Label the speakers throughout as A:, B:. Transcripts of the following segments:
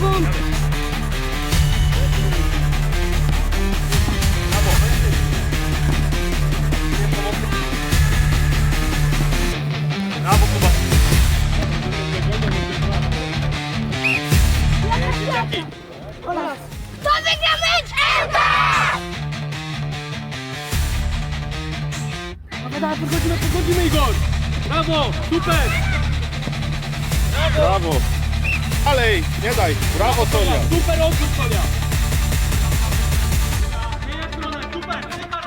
A: sekund!
B: Brawo, Kuba.
A: To wygra mecz!
B: Dawaj, podchodzimy Igor. Brawo, super.
C: Brawo! Dalej, nie daj! Brawo Sonia!
B: Super odrzut, Sonia. Zmieniaj stronę, super. Ty, Karol.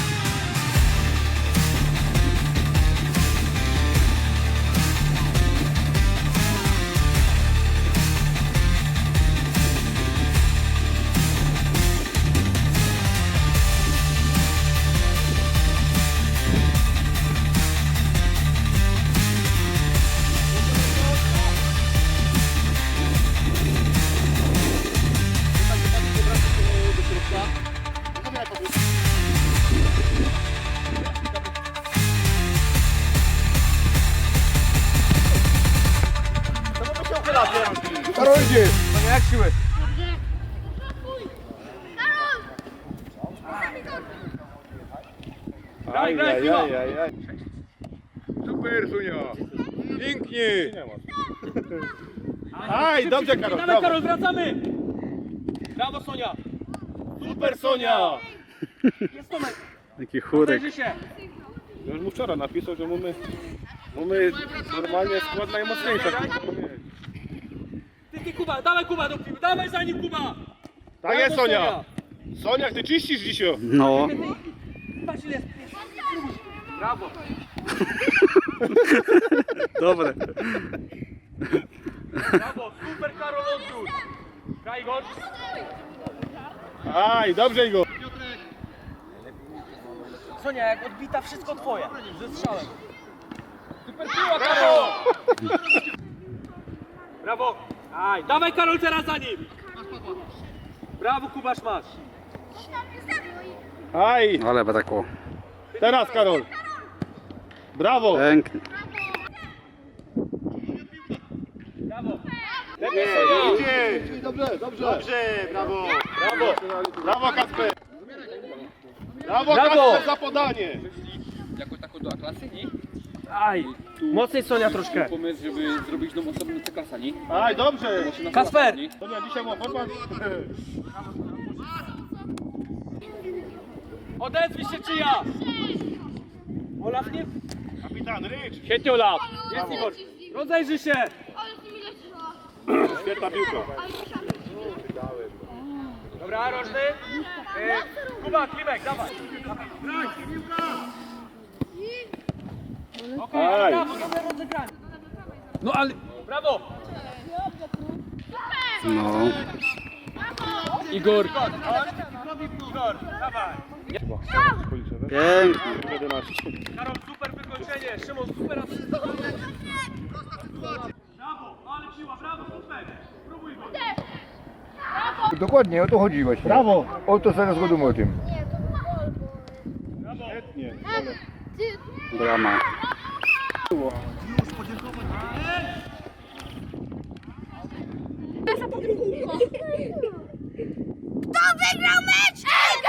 C: Karol idzie!
B: Sonia, jak siły? Graj, graj, piła.
C: Aj. Super Sonia! Pięknie! Aj, dobrze Karol,
B: Dawaj,
C: brawo!
B: Karol, wracamy. Brawo, Sonia.
C: Super Sonia!
B: Jest Tomek.
D: Taki chórek.
B: Zajrzy się.
C: Już mu wczoraj napisał, że mamy normalnie skład najmocniejszy.
B: Ty, Kuba, dawaj Kuba do piły, dawaj za nim Kuba!
C: Tak jest Sonia! Sonia, ty czyścisz dzisiaj!
D: No.
B: Patrz ile jest. Brawo!
D: Dobre.
B: Brawo, super Karol odrzut! Graj go!
C: Aj, dobrze Igor!
B: Sonia, jak odbita, wszystko twoje. Ze strzałem. Super piła, Karol! Brawo! Aj, dawaj Karol teraz za nim! Brawo, Kubasz masz!
C: Aj,
D: Ale brakło.
C: teraz Karol! Brawo!
D: Pięknie.
B: Brawo!
C: Idzie! Dobrze, brawo! Brawo! Brawo Kasper! Brawo
B: Brawo!
C: Kasper za podanie!
E: Jako taką do A-klasy, nie?
B: Aj! Mocniej Sonia troszkę.
E: Pomysł, żeby zrobić tą osobną C-klasa, nie?
C: Aj, dobrze!
B: Kasper!
C: Sonia, dzisiaj ma format.
B: Odezwij się czyja! Olaf nie?
C: Kapitan Rycz!
B: Świetnie Olaf! Jest Igor! Rozejrzy się!
C: Świetna piłka.
B: Dobra, Rożny. Kuba, Klimek, dawaj. Okej,
C: Aj.
B: brawo, dobre rozegranie. No ale... Brawo!
D: No.
B: Igor. Igor, dawaj.
D: Pięknie.
C: 11.
B: Karol, super wykończenie. Szymon, super asysta. Brawo, ale siła, brawo, super. Spróbuj go.
F: Dokładnie, o to chodzi właśnie.
C: Brawo!
F: O to zaraz go o tym.
C: Świetnie.
D: Brama.
A: Kto wygrał mecz?